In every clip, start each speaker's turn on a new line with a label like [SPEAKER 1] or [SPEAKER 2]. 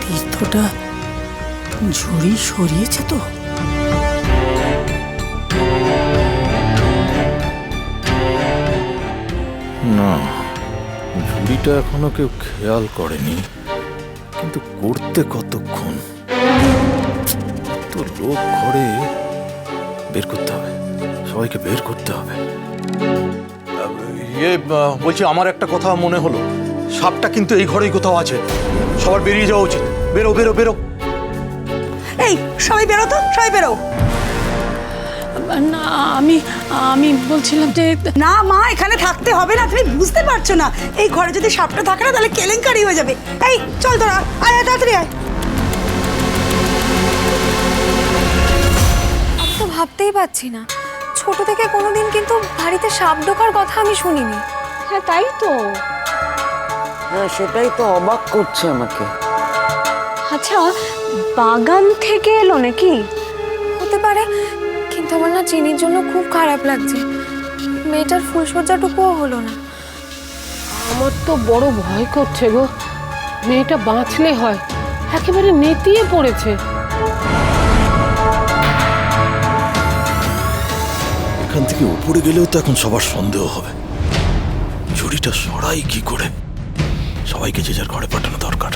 [SPEAKER 1] তীর্থটা ঝুড়ি সরিয়েছে তো?
[SPEAKER 2] না, ঝুড়িটা এখনো কেউ খেয়াল করেনি, কিন্তু করতে কতক্ষণ? তো লোক ঘরে, বের করতে হবে, সবাইকে বের করতে হবে।
[SPEAKER 3] বলছি, আমার একটা কথা মনে হলো, সাপটা কিন্তু এই ঘরেই কোথাও আছে। সবার বেরিয়ে যাওয়া উচিত। বেরো বেরো বেরো।
[SPEAKER 4] এই সবাই বেরো তো, সবাই বেরো।
[SPEAKER 1] না, আমি বলছিলাম যে
[SPEAKER 4] না মা, এখানে থাকতে হবে না। তুমি বুঝতে পারছো না, এই ঘরে যদি সাপটা থাকে না তাহলে কেলেঙ্কারি হয়ে যাবে। এই চল তোরা, আয় আয়, তাড়াতাড়ি আয়।
[SPEAKER 5] আমি তো ভাবতেই পারছি না, ছোট থেকে কোনোদিন কিন্তু বাড়িতে সাপ ঢোকার কথা আমি শুনিনি।
[SPEAKER 6] হ্যাঁ তাই তো।
[SPEAKER 7] হ্যাঁ, সেটাই তো অবাক করছে আমাকে।
[SPEAKER 6] আচ্ছা, বাগান থেকে এলো নাকি?
[SPEAKER 5] হতে পারে, কিন্তু আমার না চিনির জন্য খুব খারাপ লাগছে। মেয়েটার ফুলসজ্জাটুকুও হলো না।
[SPEAKER 6] আমার তো বড় ভয় করছে গো, মেয়েটা বাঁচলে হয়, একেবারে নেতিয়ে পড়েছে।
[SPEAKER 2] এখান থেকে উপরে গেলেও তো এখন সবার সন্দেহ হবে। ঝুড়িটা সরাই কি করে? সবাইকে যে যার ঘরে পাঠানো দরকার।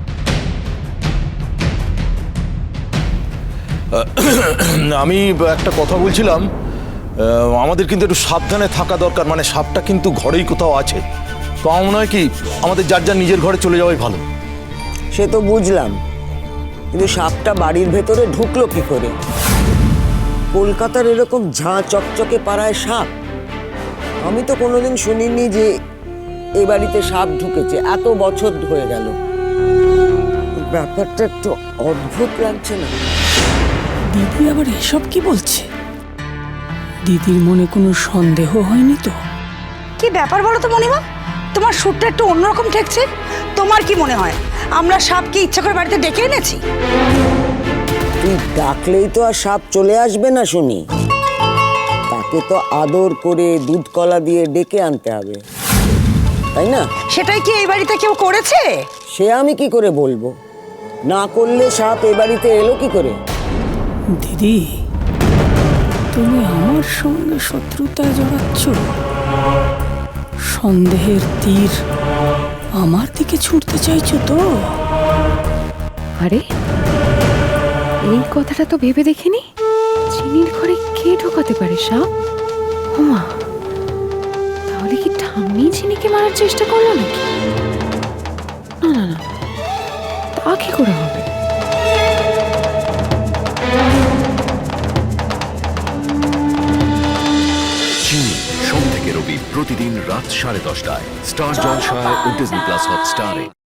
[SPEAKER 2] আমি একটা কথা বলছিলাম, আমাদের কিন্তু একটু সাবধানে থাকা দরকার। মানে সাপটা কিন্তু ঘরেই কোথাও আছে। তো আমার মনে হয় কি, আমাদের যার যার নিজের ঘরে চলে যাওয়াই ভালো।
[SPEAKER 7] সে তো বুঝলাম, কিন্তু সাপটা বাড়ির ভেতরে ঢুকলো কি করে? কলকাতার এরকম ঝাঁ চকচকে পাড়ায় সাপ আমি তো কোনোদিন শুনিনি যে এ বাড়িতে সাপ ঢুকেছে। এত বছর হয়ে গেল, ব্যাপারটা একটু অদ্ভুত লাগছে না?
[SPEAKER 1] দিদি আবার এসব কি বলছে? দিদির মনে কোনো সন্দেহ হয়নি তো?
[SPEAKER 4] কি ব্যাপার বলো তো মণিমা, তোমার সুরটা একটু অন্যরকম ঠেকছে। তোমার কি মনে হয় আমরা সাপকে ইচ্ছা করে বাড়িতে ডেকে এনেছি?
[SPEAKER 7] তুই ডাকলেই তো আর সাপ চলে আসবে না শুনি। তাকে তো আদর করে দুধ কলা দিয়ে ডেকে আনতে হবে, তাই না?
[SPEAKER 4] সেটাই কি এই বাড়িতে কেউ করেছে?
[SPEAKER 7] সে আমি কি করে বলবো? না করলে সাপ এ বাড়িতে এলো কি করে?
[SPEAKER 1] দিদি, তুমি আমার সঙ্গে শত্রুতায় জড়াচ্ছ? সন্দেহের তীর আমার দিকে ছুটতে চাইছো তো?
[SPEAKER 6] আরে, এই কথাটা তো ভেবে দেখিনি। চিনির ঘরে কে ঢোকাতে পারে সাপ? ওমা, তাহলে কি ঠাম্মি চিনিকে মারার চেষ্টা করলো নাকি? না না না, তা কি করে হবে?
[SPEAKER 8] চিনি, সোম থেকে রবি প্রতিদিন রাত 10:30টায় স্টার জলসায় ও ডিজনি প্লাস হটস্টারে।